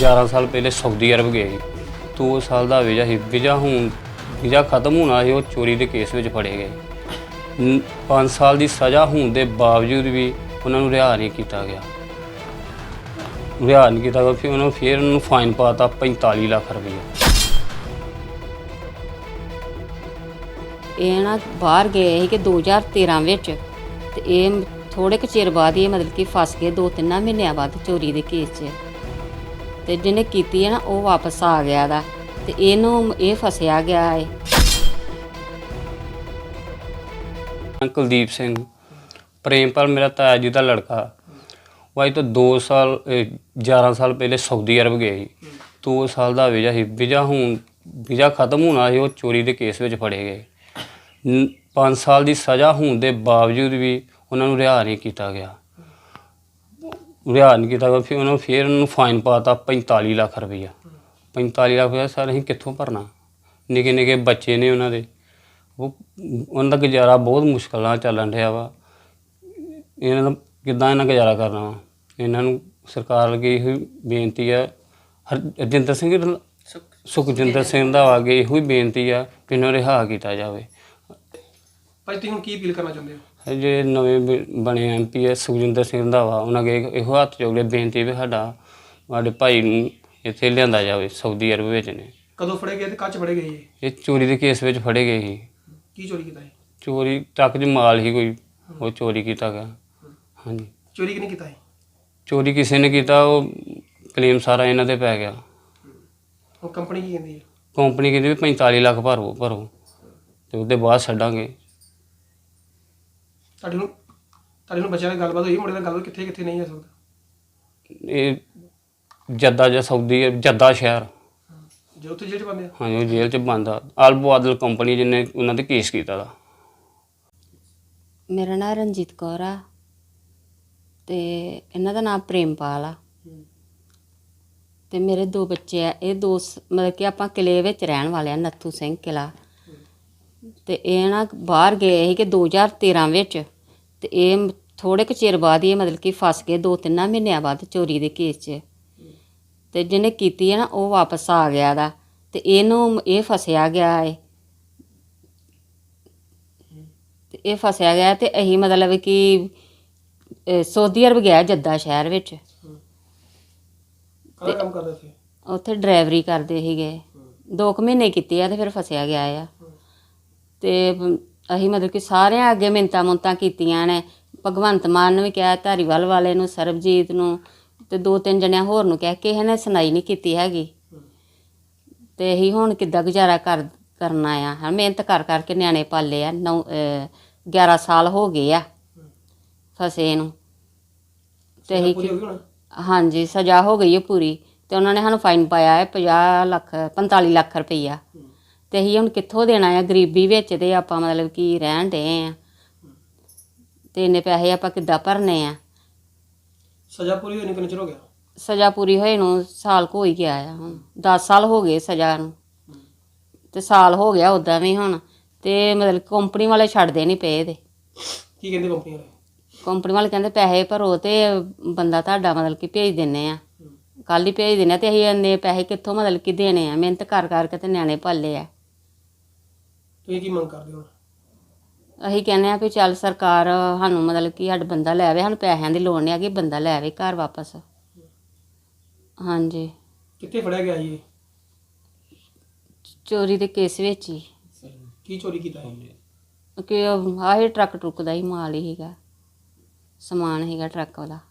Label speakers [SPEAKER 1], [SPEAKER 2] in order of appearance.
[SPEAKER 1] 11 ਸਾਲ ਪਹਿਲੇ Saudi Arab ਗਏ ਸੀ। 2 ਸਾਲ ਦਾ ਵੀਜ਼ਾ ਸੀ। ਵੀਜ਼ਾ ਖਤਮ ਹੋਣਾ ਸੀ, ਉਹ ਚੋਰੀ ਦੇ ਕੇਸ ਵਿੱਚ ਫੜੇ ਗਏ। 5 ਸਾਲ ਦੀ ਸਜ਼ਾ ਹੋਣ ਦੇ ਬਾਵਜੂਦ ਵੀ ਉਹਨਾਂ ਨੂੰ ਰਿਹਾ ਨਹੀਂ ਕੀਤਾ ਗਿਆ। ਫਿਰ ਉਹਨਾਂ ਨੂੰ ਫਾਈਨ ਪਾਤਾ 45 ਲੱਖ ਰੁਪਏ।
[SPEAKER 2] ਇਹ ਨਾ ਬਾਹਰ ਗਏ ਸੀ ਕਿ 2013 ਵਿੱਚ, ਤੇ ਇਹ ਥੋੜੇ ਕੁ ਚਿਰ ਬਾਅਦ ਹੀ ਮਤਲਬ ਕਿ ਫਸ ਗਏ 2-3 ਮਹੀਨਿਆਂ ਬਾਅਦ ਚੋਰੀ ਦੇ ਕੇਸ 'ਚ। ਤੇ ਜਿਹਨੇ ਕੀਤੀ ਹੈ ਨਾ ਉਹ ਵਾਪਸ ਆ ਗਿਆ ਦਾ, ਤੇ ਇਹ ਫਸਿਆ ਗਿਆ ਹੈ।
[SPEAKER 1] ਕੁਲਦੀਪ ਸਿੰਘ ਪ੍ਰੇਮਪਾਲ ਮੇਰਾ ਤਾਇਆ ਜੀ ਦਾ ਲੜਕਾ। ਉਹ ਅੱਜ ਤੋਂ 11 ਸਾਲ ਪਹਿਲੇ ਸਾਊਦੀ ਅਰਬ ਗਏ ਸੀ। 2 ਸਾਲ ਦਾ ਵੀਜ਼ਾ ਸੀ। ਵੀਜ਼ਾ ਖਤਮ ਹੋਣਾ ਸੀ, ਉਹ ਚੋਰੀ ਦੇ ਕੇਸ ਵਿੱਚ ਫੜੇ ਗਏ। 5 ਸਾਲ ਦੀ ਸਜ਼ਾ ਹੋਣ ਦੇ ਬਾਵਜੂਦ ਵੀ ਉਹਨਾਂ ਨੂੰ ਰਿਹਾ ਨਹੀਂ ਕੀਤਾ ਗਿਆ। ਫਿਰ ਉਹਨਾਂ ਨੂੰ ਫਾਈਨ ਪਾਤਾ 45 ਲੱਖ ਰੁਪਈਆ। 45 ਲੱਖ ਰੁਪਈਆ ਸਰ ਅਸੀਂ ਕਿੱਥੋਂ ਭਰਨਾ? ਨਿੱਕੇ ਨਿੱਕੇ ਬੱਚੇ ਨੇ ਉਹਨਾਂ ਦੇ। ਉਹਨਾਂ ਦਾ ਗੁਜ਼ਾਰਾ ਬਹੁਤ ਮੁਸ਼ਕਿਲ ਨਾਲ ਚੱਲਣ ਰਿਹਾ ਵਾ। ਇਹਨਾਂ ਦਾ ਕਿੱਦਾਂ ਗੁਜ਼ਾਰਾ ਕਰਨਾ ਵਾ? ਇਹਨਾਂ ਨੂੰ ਸਰਕਾਰ ਅੱਗੇ ਇਹੋ ਬੇਨਤੀ ਆ, ਸੁਖਜਿੰਦਰ ਸਿੰਘ ਦਾ ਅੱਗੇ ਇਹੋ ਹੀ ਬੇਨਤੀ ਆ ਕਿ ਇਹਨਾਂ ਨੂੰ ਰਿਹਾ ਕੀਤਾ ਜਾਵੇ।
[SPEAKER 3] ਭਾਈ ਤੁਸੀਂ ਹੁਣ ਕੀ ਅਪੀਲ ਕਰਨਾ ਚਾਹੁੰਦੇ ਹੋ?
[SPEAKER 1] ਜਿਹੜੇ ਨਵੇਂ ਬਣੇ MP ਆ ਸੁਖਜਿੰਦਰ ਸਿੰਘ ਦਾ ਵਾ, ਉਹਨਾਂ ਅੱਗੇ ਇਹੋ ਹੱਥ ਜੋੜ ਬੇਨਤੀ ਵੀ ਸਾਡੇ ਭਾਈ ਨੂੰ ਇੱਥੇ ਲਿਆਂਦਾ ਜਾਵੇ। ਸਾਊਦੀ ਅਰਬ ਵਿੱਚ ਨੇ।
[SPEAKER 3] ਕਦੋਂ ਫੜੇ ਗਏ ਤੇ ਕੱਚ ਫੜੇ ਗਏ?
[SPEAKER 1] ਇਹ ਚੋਰੀ ਦੇ ਕੇਸ ਵਿੱਚ ਫੜੇ ਗਏ ਸੀ।
[SPEAKER 3] ਕੀ ਚੋਰੀ ਕੀਤਾ ਹੈ?
[SPEAKER 1] ਚੋਰੀ ਟਰੱਕ 'ਚ ਮਾਲ ਹੀ ਕੋਈ, ਉਹ ਚੋਰੀ ਕੀਤਾ ਗਿਆ। ਹਾਂਜੀ।
[SPEAKER 3] ਚੋਰੀ ਕਿਹਨੇ ਕੀਤਾ ਹੈ?
[SPEAKER 1] ਚੋਰੀ ਕਿਸੇ ਨੇ ਕੀਤਾ, ਉਹ ਕਲੇਮ ਸਾਰਾ ਇਹਨਾਂ 'ਤੇ ਪੈ ਗਿਆ।
[SPEAKER 3] ਉਹ ਕੰਪਨੀ ਕੀ ਕਹਿੰਦੀ ਹੈ?
[SPEAKER 1] ਕੰਪਨੀ ਕਹਿੰਦੀ ਵੀ 45 ਲੱਖ ਭਰੋ ਤੇ ਉਹਦੇ ਬਾਅਦ ਛੱਡਾਂਗੇ।
[SPEAKER 3] ਤੁਹਾਡੇ ਨੂੰ ਬੱਚਿਆਂ ਨਾਲ ਗੱਲਬਾਤ ਹੋਈ? ਮੁੰਡੇ ਨਾਲ ਗੱਲਬਾਤ ਕਿੱਥੇ ਨਹੀਂ ਹੋ ਸਕਦਾ?
[SPEAKER 1] ਇਹ ਜੱਦਾ ਸ਼ਹਿਰ।
[SPEAKER 3] ਜੇ ਉੱਥੇ ਜੇਲ੍ਹ 'ਚ ਬੰਦੇ ਆ?
[SPEAKER 1] ਹਾਂਜੀ, ਉਹ ਜੇਲ੍ਹ 'ਚ ਬੰਦ ਆ। ਆਦਲ ਕੰਪਨੀ ਜਿਹਨੇ ਉਹਨਾਂ 'ਤੇ ਕੇਸ ਕੀਤਾ ਦਾ।
[SPEAKER 2] ਮੇਰਾ ਨਾਂ ਰਣਜੀਤ ਕੌਰ ਆ, ਤੇ ਇਹਨਾਂ ਦਾ ਨਾਮ ਪ੍ਰੇਮਪਾਲ ਆ, ਤੇ ਮੇਰੇ 2 ਬੱਚੇ ਆ। ਇਹ ਮਤਲਬ ਕਿ ਆਪਾਂ ਕਿਲੇ ਵਿੱਚ ਰਹਿਣ ਵਾਲੇ ਆ, ਨੱਥੂ ਸਿੰਘ ਕਿਲਾ। ਤੇ ਇਹ ਨਾ ਬਾਹਰ ਗਏ ਸੀ ਕਿ 2013 ਵਿੱਚ, ਤੇ ਇਹ ਥੋੜੇ ਕੁ ਚਿਰ ਬਾਅਦ ਹੀ ਮਤਲਬ ਕਿ ਫਸ ਗਏ 2-3 ਮਹੀਨਿਆਂ ਬਾਅਦ ਚੋਰੀ ਦੇ ਕੇਸ 'ਚ। ਤੇ ਜਿਹਨੇ ਕੀਤੀ ਹੈ ਨਾ ਉਹ ਵਾਪਸ ਆ ਗਿਆ ਦਾ, ਤੇ ਇਹ ਫਸਿਆ ਗਿਆ ਹੈ। ਤੇ ਇਹ ਫਸਿਆ ਗਿਆ ਤੇ ਅਸੀਂ ਮਤਲਬ ਕਿ ਸਾਊਦੀ ਅਰਬ ਗਿਆ, ਜੱਦਾ ਸ਼ਹਿਰ ਵਿੱਚ।
[SPEAKER 3] ਕਾਹਦਾ ਕੰਮ ਕਰਦਾ ਸੀ?
[SPEAKER 2] ਉੱਥੇ ਡਰਾਈਵਰੀ ਕਰਦੇ ਸੀਗੇ। 2 ਮਹੀਨੇ ਕੀਤੇ ਆ ਤੇ ਫਿਰ ਫਸਿਆ ਗਿਆ ਆ। ਤੇ ਅਸੀਂ ਮਤਲਬ ਕਿ ਸਾਰਿਆਂ ਅੱਗੇ ਮਿੰਨਤਾਂ ਕੀਤੀਆਂ ਨੇ। ਭਗਵੰਤ ਮਾਨ ਨੂੰ ਵੀ ਕਿਹਾ, ਧਾਰੀਵਾਲ ਵਾਲੇ ਨੂੰ, ਸਰਬਜੀਤ ਨੂੰ, ਤੇ 2-3 ਜਣਿਆਂ ਹੋਰ ਨੂੰ ਕਿਹਾ। ਕਿਸੇ ਨੇ ਸੁਣਾਈ ਨਹੀਂ ਕੀਤੀ ਹੈਗੀ। ਤੇ ਅਸੀਂ ਹੁਣ ਕਿੱਦਾਂ ਗੁਜ਼ਾਰਾ ਕਰਨਾ ਆ? ਹਾਂ, ਮਿਹਨਤ ਕਰਕੇ ਨਿਆਣੇ ਪਾਲੇ ਆ। 11 ਸਾਲ ਹੋ ਗਏ ਆ ਫਸੇ ਨੂੰ। ਤੇ ਅਸੀਂ ਹਾਂਜੀ, ਸਜ਼ਾ ਹੋ ਗਈ ਹੈ ਪੂਰੀ। ਤੇ ਉਹਨਾਂ ਨੇ ਸਾਨੂੰ ਫਾਈਨ ਪਾਇਆ ਹੈ 45 ਲੱਖ ਰੁਪਈਆ। ਤੇ ਅਸੀਂ ਹੁਣ ਕਿੱਥੋਂ ਦੇਣਾ ਆ? ਗਰੀਬੀ ਵਿੱਚ ਤੇ ਆਪਾਂ ਮਤਲਬ ਕਿ ਰਹਿਣ ਡਏ ਆ, ਤੇ ਇੰਨੇ ਪੈਸੇ ਆਪਾਂ ਕਿੱਦਾਂ ਭਰਨੇ ਆ?
[SPEAKER 3] ਸਜ਼ਾ ਪੂਰੀ ਹੋਈ ਨੂੰ ਕਿੰਨਾ ਚਿਰ ਹੋ ਗਿਆ?
[SPEAKER 2] ਸਜ਼ਾ ਪੂਰੀ ਹੋਏ ਨੂੰ ਸਾਲ ਕੁ ਹੋ ਹੀ ਗਿਆ ਆ। ਹੁਣ 10 ਸਾਲ ਹੋ ਗਏ ਸਜ਼ਾ ਨੂੰ, ਤੇ ਸਾਲ ਹੋ ਗਿਆ ਉੱਦਾਂ ਵੀ ਹੁਣ। ਤੇ ਮਤਲਬ ਕੰਪਨੀ ਵਾਲੇ ਛੱਡਦੇ ਨਹੀਂ ਪਏ। ਇਹਦੇ
[SPEAKER 3] ਕੀ ਕਹਿੰਦੇ ਕੰਪਨੀ ਵਾਲੇ?
[SPEAKER 2] ਕੰਪਨੀ ਵਾਲੇ ਕਹਿੰਦੇ ਪੈਸੇ ਭਰੋ ਤੇ ਬੰਦਾ ਤੁਹਾਡਾ ਮਤਲਬ ਕਿ ਭੇਜ ਦਿੰਦੇ ਆ, ਕੱਲ੍ਹ ਹੀ ਭੇਜ ਦਿੰਦੇ ਆ। ਤੇ ਅਸੀਂ ਇੰਨੇ ਪੈਸੇ ਕਿੱਥੋਂ ਮਤਲਬ ਕਿ ਦੇਣੇ ਆ? ਮਿਹਨਤ ਕਰਕੇ ਤੇ ਨਿਆਣੇ ਪਾਲੇ ਆ।
[SPEAKER 3] ਤੁਸੀਂ ਕੀ ਮੰਗ ਕਰਦੇ ਹੋ?
[SPEAKER 2] ਅਸੀਂ ਕਹਿੰਦੇ ਆ ਵੀ ਚੱਲ ਸਰਕਾਰ ਸਾਨੂੰ ਮਤਲਬ ਕਿ ਸਾਡਾ ਬੰਦਾ ਲੈ ਆਵੇ। ਸਾਨੂੰ ਪੈਸਿਆਂ ਦੀ ਲੋੜ ਨਹੀਂ ਹੈਗੀ, ਬੰਦਾ ਲੈ ਆਵੇ ਘਰ ਵਾਪਸ। ਹਾਂਜੀ।
[SPEAKER 3] ਕਿੱਥੇ ਫੜਿਆ ਗਿਆ ਜੀ?
[SPEAKER 2] ਚੋਰੀ ਦੇ ਕੇਸ ਵਿੱਚ ਹੀ।
[SPEAKER 3] ਕੀ ਚੋਰੀ ਕੀਤਾ ਹੈ?
[SPEAKER 2] ਕਿ ਆਹੀ ਟਰੱਕ ਦਾ ਹੀ ਮਾਲ ਹੀ ਸੀਗਾ, ਸਮਾਨ ਸੀਗਾ ਟਰੱਕ ਵਾਲਾ।